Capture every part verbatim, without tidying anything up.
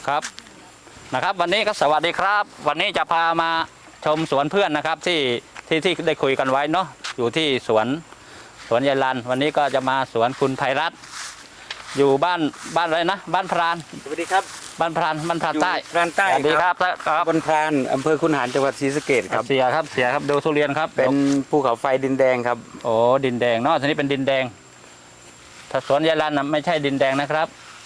ครับนะครับวันนี้ก็สวัสดีครับ วันนี้จะพามาชมสวนเพื่อนนะครับที่ที่ที่ได้คุยกันไว้เนาะอยู่ที่สวนสวนยายลันวันนี้ก็จะมาสวนคุณไพรัตน์อยู่บ้านบ้านอะไรนะบ้านพรานสวัสดีครับบ้านพรานบ้านพรานใต้พรานใต้สวัสดีครับครับบนพรานอำเภอคุนหารจังหวัดศรีสะเกษครับเสียครับเสียครับดูทุเรียนครับเป็นภูเขาไฟดินแดงครับโอ้ดินแดงเนาะทีนี้เป็นดินแดงถ้าสวนยายลันนะไม่ใช่ดินแดงนะครับ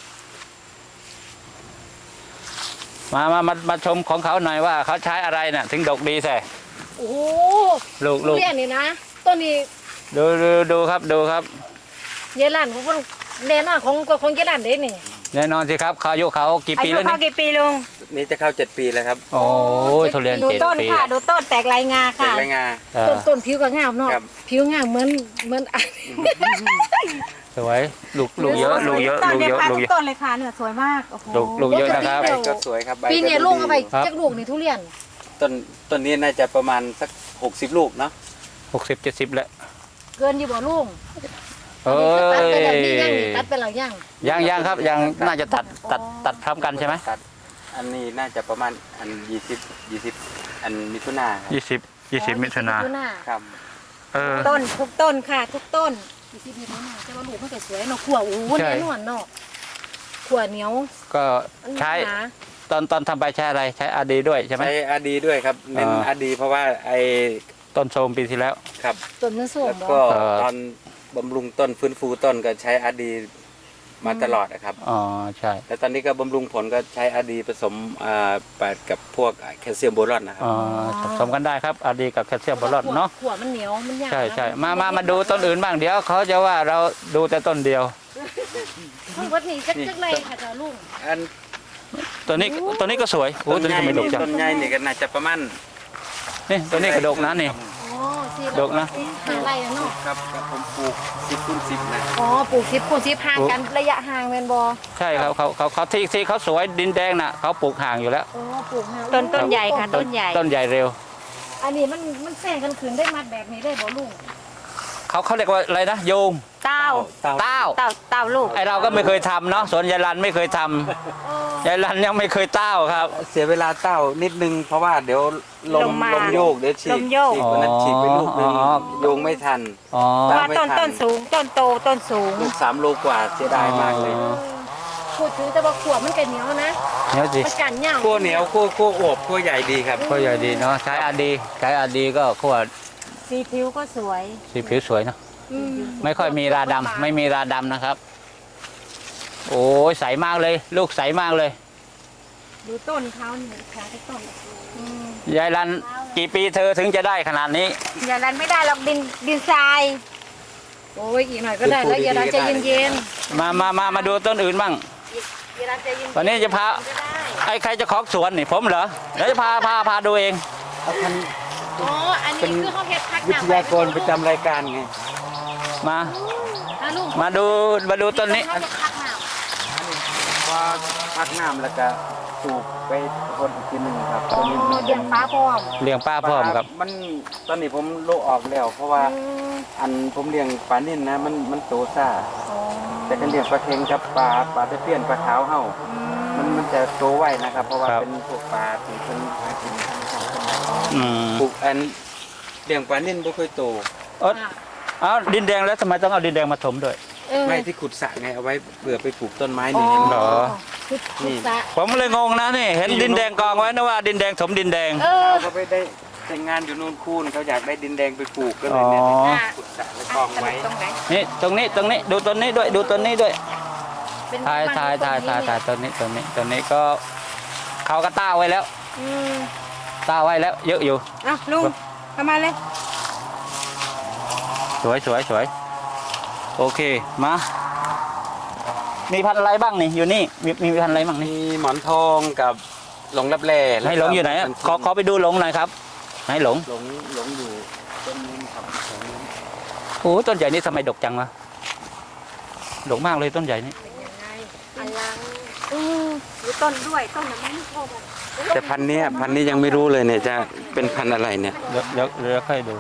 มามามามาชมของเขาหน่อยว่าเขาใช้อะไรเนี่ยถึงดกดีแท้โอ้โหลูกลูกเรียนนี่นะต้นนี้ดูดูดูครับดูครับเยลันของคนแน่นอนของของเยลันเด้นี่แน่นอนสิครับเขาอายุเขากี่ปีแล้วนี่อายุเขากี่ปีลุงนี่จะเข้าเจ็ดปีแล้วครับโอ้ยทุเรียนดูเจ็ดต้นปีค่ะดูต้นแตกลายงาค่ะแตกลายงาต้นต้นผิวก็งามเนาะผิวงามเหมือนเหมือนสวยลูกลูกเยอะลูกเยอะลูกเยอะลูกเยอะต้นเลยค่ะเนี่ยสวยมากโอ้โหลูกลูกเยอะนะครับก็สวยครับปีนี้ลุงเอาไปจักลูกนี่ทุเรียนต้นต้นนี้น่าจะประมาณสักหกสิบลูกเนาะหกสิบเจ็ดสิบแล้วเกินอยู่บ่ลุงเอ้ยตัดไปแล้วยังยังยังครับยังน่าจะตัดตัดตัดพร้อมกันใช่ไหมตัดอันนี้น่าจะประมาณอันยี่สิบยี่สิบอันมิถุนายี่สิบยี่สิบมิถุนาครับเออต้นทุกต้นค่ะทุกต้นยี่สิบมิถุนาแต่ว่าลูกมันก็สวยเนาะขั่วโอ้โหแน่นอนเนาะขั่วเหนียวก็ใช้ตอนตอนทำไปใช้อะไรใช้อาดีด้วยใช่ไหมใช้อาดีด้วยครับเน้นอาดีเพราะว่าไอ้ต้นโทรมปีที่แล้วครับต้นมันโทรมแล้วก็ตอนบำรุงต้นฟื้นฟูต้นก็ใช้อาดีมาตลอดนะครับอ๋อใช่แล้วตอนนี้ก็บำรุงผลก็ใช้อาดีผสมอ่าไปกับพวกแคลเซียมโบรอนนะครับอ๋อผสมกันได้ครับอาดีกับแคลเซียมโบรอนเนาะขั่วมันเหนียวมันยากใช่ใช่มามามาดูต้นอื่นบ้างเดี๋ยวเขาจะว่าเราดูแต่ต้นเดียวทั้งวัดนี้จักจักไรค่ะจ้าลุงอันตัวนี้ตัวนี้ก็สวยโอ้ตัวนี้ทำไมดกจังต้นใหญ่นี่ก็น่าจะประมาณนี่ตัวนี้ก็ดกนะนี่ดกนะหาไรเนาะครับผมปลูกสิบคูณสิบนะอ๋อปลูกสิบคูณสิบห่างกันระยะห่างแมนบอใช่ครับเขาเขาเขาที่ที่เขาสวยดินแดงน่ะเขาปลูกห่างอยู่แล้วอ๋อปลูกห่างต้นต้นใหญ่ค่ะต้นใหญ่ต้นใหญ่เร็วอันนี้มันมันแซงกันขืนได้มัดแบบนี้ได้บ่ลุงเขาเขาเรียกว่าอะไรนะโยงเต้าเต้าเต้าเต้าลูกไอเราก็ไม่เคยทำเนาะสวนยายลันไม่เคยทำยายลันยังไม่เคยเต้าครับเสียเวลาเต้านิดนึงเพราะว่าเดี๋ยวลมลมโยกเดี๋ยวฉีกฉีกวันนั้นฉีกไปลูกนึงโยงไม่ทันเพราะว่าต้นต้นสูงต้นโตต้นสูงลูกสามโลกว่าเสียดายมากเลยพูดถึงแต่ว่าขวบมันเป็นเหนียวนะเหนียวสิมันกันเหนียวขั้วเหนียวขั้วขั้วอบขั้วใหญ่ดีครับขั้วใหญ่ดีเนาะใช้อาดีใช้อาดีก็ขั้วสีผิวก็สวยสีผิวสวยเนาะไม่ค่อยมีราดำไม่มีราดำนะครับโอ้ยใสมากเลยลูกใสมากเลยดูต้นเขาเนี่ยค่ะที่ต้นยายลันกี่ปีเธอถึงจะได้ขนาดนี้ยายลันไม่ได้หรอกดินดินทรายโอ้ยอีกหน่อยก็ได้แล้วยายลันใจเย็นๆมามามามาดูต้นอื่นบ้างวันนี้จะพาไอ้ใครจะขอสวนนี่ผมเหรอเดี๋ยวจะพาพาพาดูเองอ๋ออันนี้คือเขาเฮ็ดพักวิทยากรประจำรายการไงมามาดูมาดูต้นนี้ว่าพักน้ำแล้วก็ปลูกไปคนอีกทีหนึ่งครับตอนนี้เลี้ยงปลาพร้อมเลี้ยงปลาพร้อมครับมันตอนนี้ผมโลออกแล้วเพราะว่าอันผมเลี้ยงปลานิ่นนะมันมันโตซ่าแต่กันเลี้ยงปลาเค็งกับปลาปลาตะเพียนปลาขาวเห่ามันมันจะโตไวนะครับเพราะว่าเป็นพวกปลาที่เป็นหากินธรรมชาติปลูกอันเลี้ยงปลานิ่นไม่ค่อยโตเออเอาดินแดงแล้วทำไมต้องเอาดินแดงมาถมด้วยไม่ที่ขุดสระไงเอาไว้เผื่อไปปลูกต้นไม้นี่เห็นเหรอนี่ผมเลยงงนะนี่เห็นดินแดงกองไว้นะว่าดินแดงถมดินแดงเขาไปได้แต่งงานอยู่นู่นคูนเขาอยากได้ดินแดงไปปลูกก็เลยเนี่ยขุดสระแล้วกองไว้นี่ตรงนี้ตรงนี้ดูต้นนี้ด้วยดูต้นนี้ด้วยถ่ายถ่ายถ่ายถ่ายถ่ายต้นนี้ต้นนี้ต้นนี้ก็เขาก็ต้าไว้แล้วต้าไว้แล้วเยอะอยู่อ่ะลุงทำมาเลยสวยสวยสวยโอเคมามีพันธุ์อะไรบ้างนี่อยู่นี่มีมีพันธุ์อะไรบ้างนี่มีหมอนทองกับหลงรับแร่ให้หลงอยู่ไหนขอขอไปดูหลงหน่อยครับให้หลงหลงหลงอยู่ต้นนี้ครับโอ้ต้นใหญ่นี่ทำไมดกจังวะดกมากเลยต้นใหญ่นี่อันลังอือหรือต้นด้วยต้นนั้นไม่พอแต่พันธุ์นี้พันธุ์นี้ยังไม่รู้เลยเนี่ยจะเป็นพันธุ์อะไรเนี่ยเดี๋ยวเดี๋ยวเดี๋ยวค่อยดู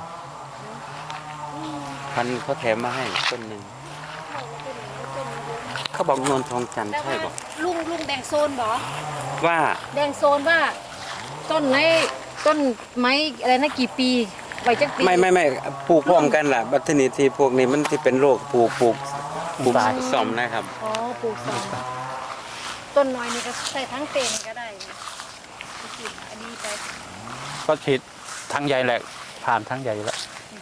พันเขาแถมมาให้ต้นหนึ่งเขาบอกนวลทองจันทร์ใช่บอกลุงลุงแบ่งโซนบอว่าแดงโซนว่า ต้นไหนต้นไม้อะไรนะกี่ปีไว้จักปีไม่ไม่ไม่ปลูกพร้อมกันล่ะบัตรนี้ที่พวกนี้มันที่เป็นโรคปลูกปลูกปลูกซ่อมนะครับอ๋อปลูกสองต้นน้อยนี่ก็ใส่ทั้งเต็นก็ได้นะไปกินอันนี้ไปก็ฉีดทั้งใหญ่แหละผ่านทั้งใหญ่แล้ว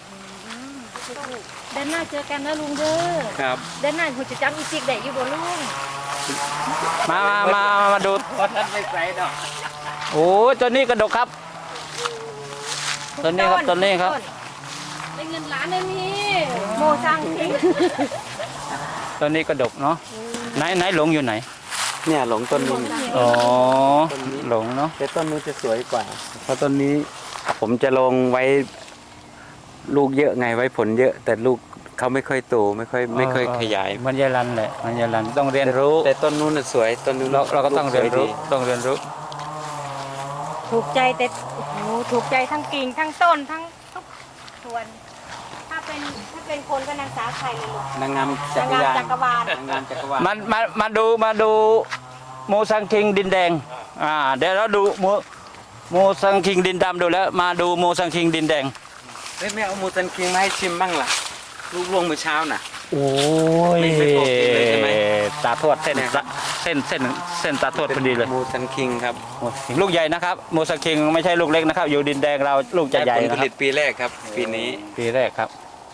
เดินหน้าเจอกันนะลุงเด้อครับเดินหน้าหัวจะจังอีจิกได้อยู่บ่ลุงมามามามาดูเพราะท่านไม่ใส่ดอกโอ้ยตัวนี้กระดกครับ ต้นนี้ครับต้นนี้ครับได้เงินล้านเลยนี่โมซังทิ้งตัวนี้กระดกเนาะไหนไหนหลงอยู่ไหนเนี่ยหลงต้นนู้นอ๋อหลงเนาะแต่ต้นนู้นจะสวยกว่า เพราะต้นนี้ผมจะลงไว้ลูกเยอะไงไว้ผลเยอะ แต่ลูกเขาไม่ค่อยโตไม่ค่อยไม่ค่อยขยายมันยายรันแหละมันยายรันต้องเรียนรู้แต่ต้นนู้นน่ะสวยต้นนู้นเราเราก็ต้องเรียนรู้ลูกสวดีต้องเรียนรู้ถูกใจแต่โอ้โหถูกใจทั้งกิ่งทั้งต้นทั้งทุกส่วน ถ้าเป็นถ้าเป็นคนก็นางสาวไทยเลยลูกนางงามจักรยานนางงามจักรวาลนางงามจักรวาลมามามาดูมาดูโมซังคิงดินแดงอ่าเดี๋ยวเราดูโมโมซังคิงดินดำดูแล้ว มาดูโมซังคิงดินแดงเฮ้ยแม่เอาหมูสันคิงมาให้ชิมบ้างล่ะ ลูกลวงเมื่อเช้าน่ะโอ้ยไม่ไม่ปกติเลยใช่ไหมตาทวดเส้นเนี่ยครับเส้นเส้นเส้นตาทวดพอดีเลยหมูสันคิงครับโอ้ยลูกใหญ่นะครับโมซังคิงไม่ใช่ลูกเล็กนะครับ อยู่ดินแดงเราลูกจะใหญ่ได้ผลนะผคลิรับตปีแรกครับ ปีนี้ปีแรกครับ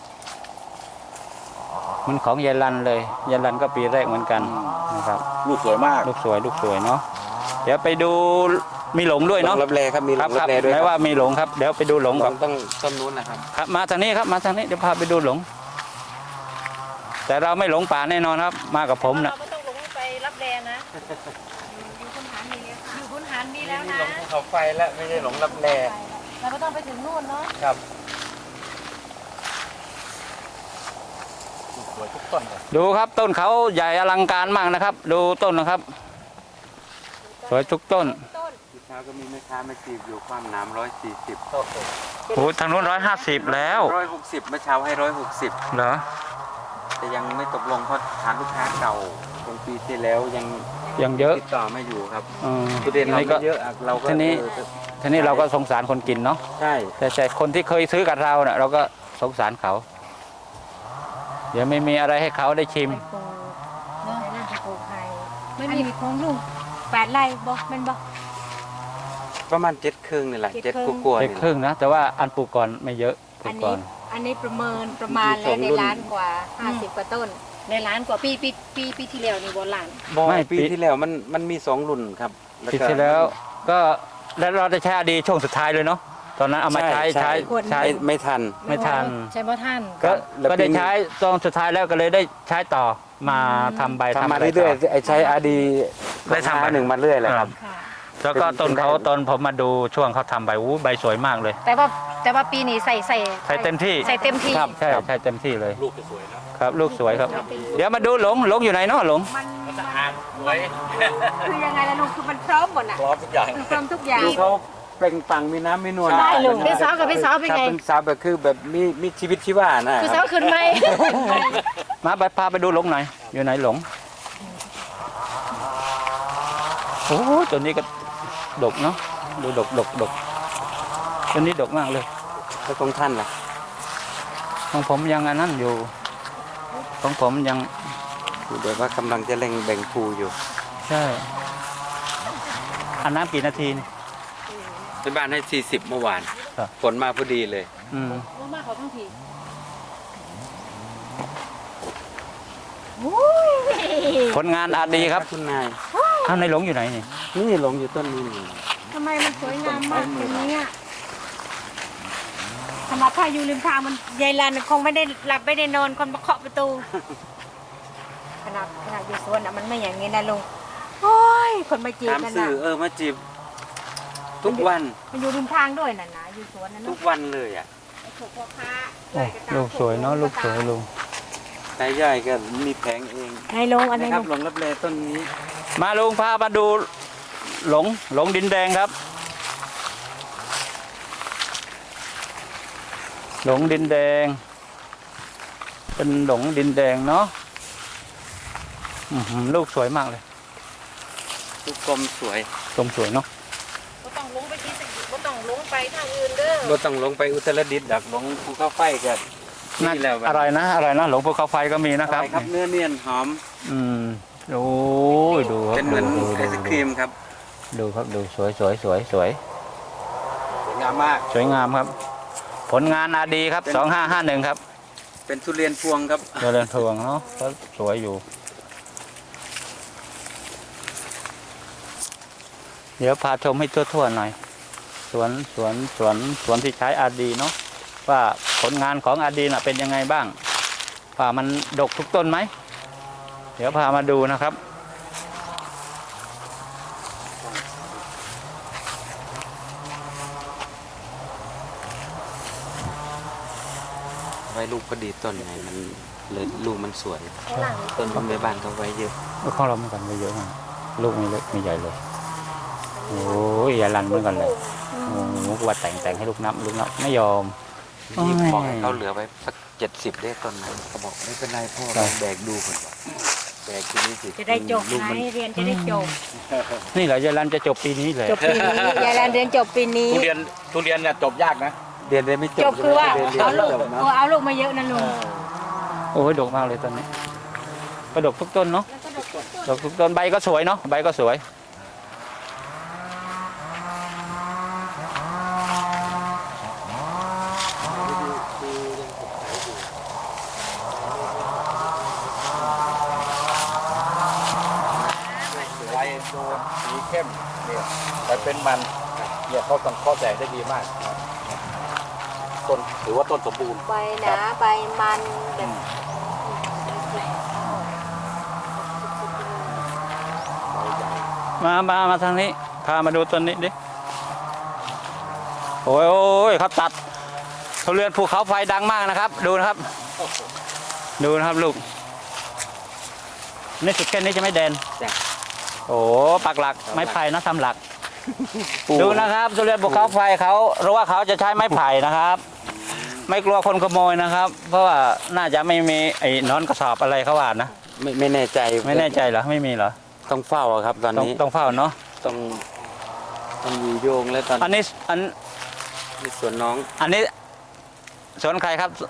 มันของยายรันเลยยายรันก็ปีแรกเหมือนกันนะครับลูกสวยมากลูกสวยลูกสวยเนาะเดี๋ยวไปดูมีหลงด้วยหลเนาะงรับแลครับมีหลครับงครัรับบ แลด้วยแม้ว่ามีหลงครับเดี๋ยวไปดูหลงหลก่อนงต้องต้นนู้นนะครับครับมาทางนี้ครับมาทางนี้เดี๋ยวพาไปดูหลง แต่เราไม่หลงป่าแน่นอนครับ มากับผมนะเราไม่ต้องลงไปรับแรงนะอยู่คุณหารมีแล้วอยู่คุณหารมีแล้วนะหลงภูเขาไฟแล้วไม่ใช่หลงรับแลเราไม่ต้องไปถึงนู่นเนาะครับสวยทุกต้นเลยดูครับต้นเขาใหญ่อลังการมากนะครับ ดูต้นนะครับ สวยทุกต้นต้นเมื่อเช้าก็มีแม่ค้ามาจีบอยู่ความน้ำร้อยสี่สิบโอ้ทางนู้นร้อยห้าสิบแล้วร้อยหกสิบเมื่อเช้าให้ร้อยหกสิบเหรอแต่ยังไม่ตกลงเพราะฐานลูกค้าเก่าของปีที่แล้วยังยังเยอะติดต่อไม่อยู่ครับอืมทุเรียนเรานี่ก็ไม่เยอะอะเราก็ทีนี้เออทีนี้เราก็สงสารคนกินเนาะใช่แต่แต่คนที่เคยซื้อกับเราเน่ะเราก็สงสารเขา เดี๋ยวไม่มีอะไรให้เขาได้ชิมไปปลูกเนาะน่าจะปลูกไผ่ไม่อันมีนี้ของลุงแปดไร่บ่แมันบ่ประมาณเจ็ดครึ่งนี่แหละเจ็เจ็ดดครึ่งกว่าๆเล็กนี่ครึ่งนะแต่ว่าอันปลูกก่อนไม่เยอะปลูอักนก่นี้อนอันนี้ประเมินประมาณแล้วในล้านกว่าห้าสิบกว่าต้นในร้านกว่าปีปีปีปีที่แล้วนี่บนหลานบ่ไม่ปีปีที่แล้วมันมันมีสองรุ่นครับปีที่แล้วก็แล้วเราได้ใช้อดีช่วงสุดท้ายเลยเนาะตอนนั้นเอามาใช้ใช้ใช้ไม่ไม่ทันไม่ทันใช่พ่อท่านก็แล้วก็ได้ปีนี้ใช้ตอนสุดท้ายแล้วก็เลยได้ใช้ต่อมาทำใบทำมาะไเรื่อยๆไอ้ใช้อาดีได้ทำไปหนึ่งมาเรื่อยเลยครับค่ะแล้วก็ต้นเขาตอนผมมาดูช่วงเขาทำใบอู้ใบสวยมากเลยแต่ว่าแต่ว่าปีนี้ใส่ใส่ใช้เต็มที่ใส่เต็มที่ครับใช่ใช่เต็มที่เลยลูกจะสวยนะครับลูกสวยครับ เดี๋ยวมาดูหลงหลงอยู่ไหนเนาะหลงมันมันสะอาดสวยคือยังไงล่ะลุงคือมันพร้อมหมดอ่ะพร้อมทุกอย่างคือพร้อมทุกอย่างดูเขาเปล่งปลังมีน้ำมีนวลใช่ลุงเป็นสาวกับเป็นสาวเป็นครับไงเป็นสาวแบบคือแบบมีมีชีวิตชีวานะคือคสารัวบขึ้นไหมมาไปพาไปดูหลงหน่อยอยู่ไหนหลงโอ้ตัวนี้ก็ดกเนาะดูดกดกดกตัวนี้ดกมากเลยแล้วของท่านล่ะของผมยังอันนั้นอยู่ ของผมยังเดี๋ยวว่ากำลังจะเร่งแบ่งภูอยู่ใช่อันน้ำกี่นาทีนี่ที่บ้านให้สี่สิบเมื่อวานครับฝนมาพอดีเลยอืมมากเขาทั้งทีผลงานอาจดีครับคุณนายท่านในหลงอยู่ไหนนี่นี่หลงอยู่ต้นนี้นี่ทำไมมันสวยงามมากอย่างนี้อ่ะสำหรับถ้าอยู่ริมทางมันยายลันคงไม่ได้หลับไม่ได้นอนคนมาเคาะประตู ขนาดขนาดอยู่สวนอ่ะมันไม่อย่างนี้นะลุงโอ้ยคนมาจีบตามกันสื่นะอเออมาจีบทุกวันมันอยู่ริมทางด้วยน่ะนะอยู่สวนนะทุนุ๊กวันเลยอ่ะไอ้พวกพ่อค้าโอ้ลูกสวยเนาะลูกสวยลุงนายย่อยก็มีแผงเองไอ้ลงอันไหนนะครับลุงหลงรับแลต้นนี้มาลุงพามาดูหลงหลงดินแดงครับ หลงดินแดง เป็นหลงดินแดงเนาะอื้อหือลูกสวยมากเลยลูกกลมสวยกลมสวยเนาะก็ต้องลงไปที่สิก็ต้องลงไปทางอื่นเด้อบ่ต้องลงไปอุตรดิตถ์ดักลงภูเขาไฟกันน่านี่แล้วอะไรนะอะไรนะหลวงภูเขาไฟก็มีนะครับอะไรครับเนื้อเนียนหอมอืมโอ้ยดูครับเป็นเหมือนดูไอศครีมครับดูครับดูสวยสวยสวยสวยสวยงามมากสวยงามครับ ผลงานอาดีครับสองห้าห้าหนึ่งครับเป็นทุเรียนพวงครับเจริญพวงเนาะก็สวยอยู่ เดี๋ยวพาชมให้ทั่วๆหน่อย สวนสวนสวนสวนที่ใช้อาดีเนาะว่าผลงานของอาดีน่ะเป็นยังไงบ้างว่ามันดกทุกต้นไหม เดี๋ยวพามาดูนะครับไว้ลูกประดีต้นไงมันเลยลูกมันสวยข้างหลังต้นบำเรบ้านเขาไว้เยอะข้องเราเหมือนกันไม่เยอะมากลูกไม่เล็กไม่ใหญ่เลย โอ้ยอย่าลันเหมือนกันเลยโอ้โหว่าแต่งแต่งให้ลูกนับลูกนับไม่ยอมนี่โอ้ยบอกให้เขาเหลือไว้สักเจ็ดสิบได้ต้นนั้นเขาบอกไม่เป็นไรพ่อครัเราบแบกดูก่อนว่ะแบกทีนี้สิจะได้จบลูกไหมมันเรียนจะได้จบนี่เหรอยายลันจะจบปีนี้เลยจบปีนี้ยายแลนเรียนจบปีนี้ทุเรียนทุเรียนเนี่ยจบยากนะเรียนได้ไม่จบจบคือว่าเรียนเรียนเอาไม่ลูกจบเนาะโอ้เอาลูกมาเยอะนะลุงโอ้ยดกมากเลยต้นนี้ก็ดกทุกต้นเนาะดกทุกต้นใบก็สวยเนาะใบก็สวยใบโดนสีเข้มเนี่ยแต่เป็นมันเนี่ยเขาสังเคราะห์แสงได้ดีมากต้นถือว่าต้นสมบูรณ์ใบหนาใบมันแบบมามามาทางนี้พามาดูต้นนี้ดิโอ้ยโอ้ยเขาตัดทุเรียนภูเขาไฟดังมากนะครับ ดูนะครับ ดูนะครับลูกนี่สุดแค่นี้จะไม่แดนจ้ะโอ้ปักหลักไม้ไผ่นะทำหลัก ดูนะครับทุเรียนภูเขาไฟเขารู้ว่าเขาจะใช้ไม้ไผ่นะครับ ไม่กลัวคนขโมยนะครับ เพราะว่าน่าจะไม่มีไอ้นอนกระสอบอะไรเขาว่านะไม่ไม่แน่ใจไม่แน่ใจเหรอไม่มีเหรอต้องเฝ้าอะครับ ตอนต้องนี้ต้องเฝ้าเนาะต้องต้องอยู่โยงแล้วตอนอันนี้อันนี้ส่วนน้องอันนี้สวนใครครับ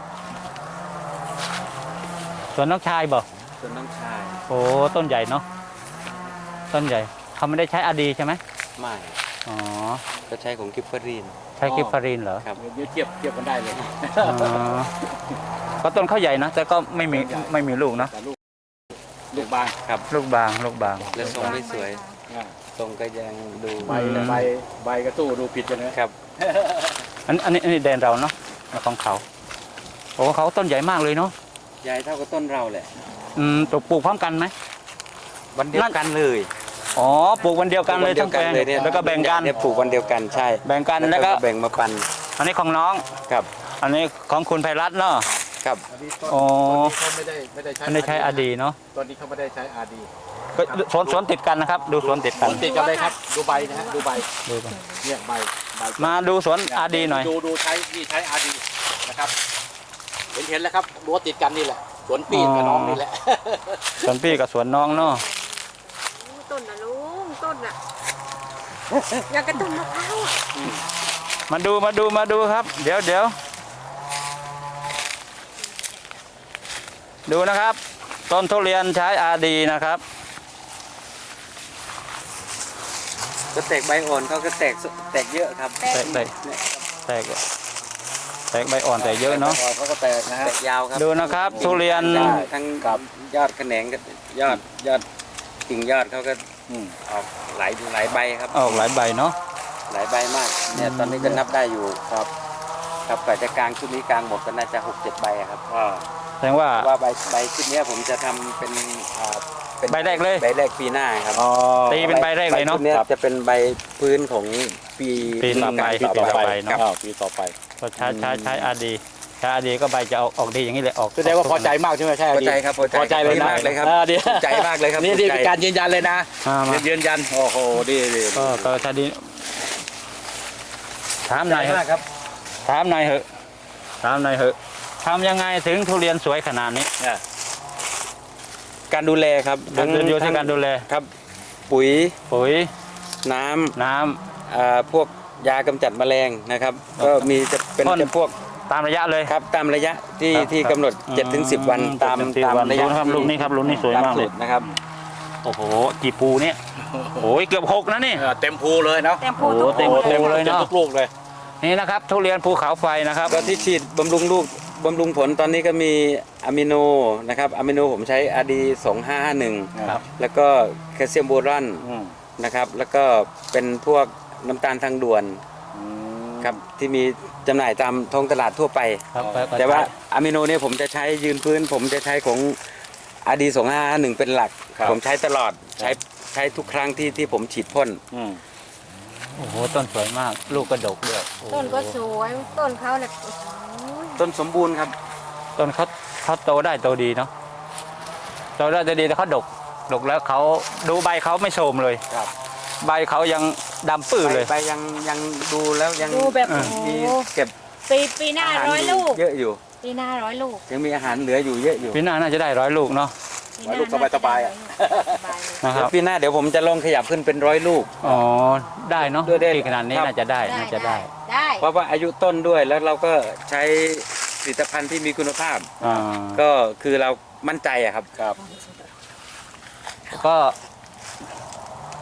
สวนน้องชายบอกส่วนน้องชายโอ้ต้นใหญ่เนาะต้นใหญ่เขาไม่ได้ใช้อาดีใช่ไหมไม่อ๋อก็ใช้ของกิฟเฟอรีนใช้กิฟฟารินเหรอครับเดี๋ยวเทียบเทียบกันได้เลยอ๋อก็ต้นเขาใหญ่นะแต่ก็ไม่มีไม่มีลูกเนาะแต่ลูกลูกบางลูกบางลูกบางและทรงไม่สวยอ่าทรงก็ยังดูใบใบใบกระสู้ดูผิดกันนะครับอันอันนี้อันนี้แดนเราเนาะของเขาโอ้เขาต้นใหญ่มากเลยเนาะใหญ่เท่ากับต้นเราแหละอืมปลูกปลูกพร้อมกันไหมวันเดียวกันเลยอ๋อปลูกวันเดียวกันเลยปลูทั้งแปลงเลยเนี่ยแล้วก็แบ่งกันเนี่ยปลูกวันเดียวกันใช่แบ่งกันแล้วก็แบ่งมาปันอันนี้ของน้องครับอันนี้ของคุณไพรัตน์เนาะครับอันนี้ต้นอ๋อต้นนี้เขาไม่ได้ไม่ได้ใช้ไม่ได้ใช้อาดีเนาะต้นนี้เขาไม่ได้ใช้อาดีก็สวนสวนติดกันนะครับ ดูสวนติดกันติดกันเลยครับดูใบนะฮะดูใบดูกันเนี่ยใบใบมาดูสวนอาดีหน่อยดูดูใช้นี่ใช้อาดีนะครับเห็นเห็นแล้วครับรั้วติดกันนี่แหละสวนปีนกับน้องนี่แหละสวนพี่กับสวนน้องเนาะต้นนะลุงต้นน่ะอยากกระต้นมะพร้าวอะมาดูมาดูมาดูครับ เดี๋ยวเดี๋ยวดูนะครับ ต้นทุเรียนใช้อาดีนะครับก็แตกใบอ่อนเขาก็แตกแตกเยอะครับแตกแตกแตกแตกใบอ่อนแต่เยอะเนาะเขาก็แตกนะฮะแตกยาวครับดูนะครับ ทุเรียนทั้งทั้งยอดแขนงก็ยอดยอดกิ่งยอดเขาก็อืมออกหลายหลายใบครับออกหลายใบเนาะหลายใบมากเนี่ยตอนนี้ก็นับได้อยู่ครับ ครับกว่าจะกลางชุดนี้กลางหมดก็น่าจะหกเจ็ดใบอะครับอ่าแสดงว่าว่าใบใบชุดเนี้ยผมจะทำเป็นอ่าเป็นใบแรกเลยใบแรกปีหน้าครับอ๋อตีเป็นใบแรกเลยเนาะใบชุดเนี้ยจะเป็นใบพื้นของปีปีต่อไปปีต่อปีต่อไปไป เนาะอ้าวปีต่อไปก็ใช้ใช้ใช้อาดีใช้อาดีก็ใบจะออกออกดีอย่างนี้เลยออกแสดงว่าพอใจมากใช่ไหมใช่พอใจครับพอใจพอใจเลยนะมากเลยครับอ่าดีภูมิใจมากเลยครับนี่นี่ภูมิใจเป็นการยืนยันเลยนะอ่ามายืนยันโอ้โหดีดีก็ก็ใช้ดีถามหน่อยเถมากอะครับถามหน่อยเหอะถามหน่อยเหอะทำยังไงถึงทุเรียนสวยขนาดนี้เนี่ยการดูแลครับดูดูที่การดูแลครับปุ๋ยปุ๋ยน้ำน้ำอ่าพวกยากำจัดแมลงนะครับครับก็มีจะเป็นพ่นจะพวกตามระยะเลยครับตามระยะที่ครับที่กำหนดอืมเจ็ดถึงสิบวันตามเจ็ดถึงสิบตามวันระยะดูนะครับที่ลูกนี้ครับลูกนี้สวยตามมากเลยสูตรนะครับโอ้โหกี่ปูเนี่ยโอ้ยเกือบหกนะนี่เออเต็มภูเลยเนาะแต่พูดโอ้ทุกเต็มคนภูเลยเนอะต็มทุกลูกเลยนี่นะครับทุเรียนภูเขาไฟนะครับก็ที่ฉีดบำรุงลูกบำรุงผลตอนนี้ก็มีอะมิโนนะครับอะมิโนผมใช้อาดีสองห้าห้าหนึ่งครับแล้วก็แคลเซียมโบรอนอืมนะครับ แล้วก็เป็นพวกน้ำตาลทางด่วนอืมครับที่มีจำหน่ายตามท้องตลาดทั่วไปครับแต่ว่าอะมิโนเนี่ยผมจะใช้ยืนพื้น ผมจะใช้ของอาดีสองห้าห้าหนึ่งเป็นหลัก ผมใช้ตลอดใช้ใช้ทุกครั้งที่ที่ผมฉีดพ่นอืมโอ้โหต้นสวยมากลูกกระดกด้วยโอ้โหต้นก็สวยต้นเขาเนี่ยโอ้โหต้นสมบูรณ์ครับต้นเขาเขาโตได้โตดีเนาะโตได้โตดีแต่เขาดกดกแล้วเขาดูใบเขาไม่โทรมเลยครับใบเขายังดำปื้อเลยใบยังยังดูแล้วยังดูแบบเออโอ้โหมีเก็บปีปีหน้าอาหารร้อยลูกเยอะอยู่ปีหน้าร้อยลูกยังมีอาหารเหลืออยู่เยอะอยู่ปีหน้าน่าจะได้ร้อยลูกเนาะปีหน้ลูกสบายๆอะสบายเลยนะคเดี๋ยรัวบปีหน้าเดี๋ยวผมจะลองขยับขึ้นเป็นร้อยลูกอ๋อได้เนาะด้วยได้ที่ขนาดนี้ครับน่าจะได้น่าจะได้ได้เพราะว่าอายุต้นด้วยแล้วเราก็ใช้ผลิตภัณฑ์ที่มีคุณภาพอ่าก็คือเรามั่นใจอะครับครับก็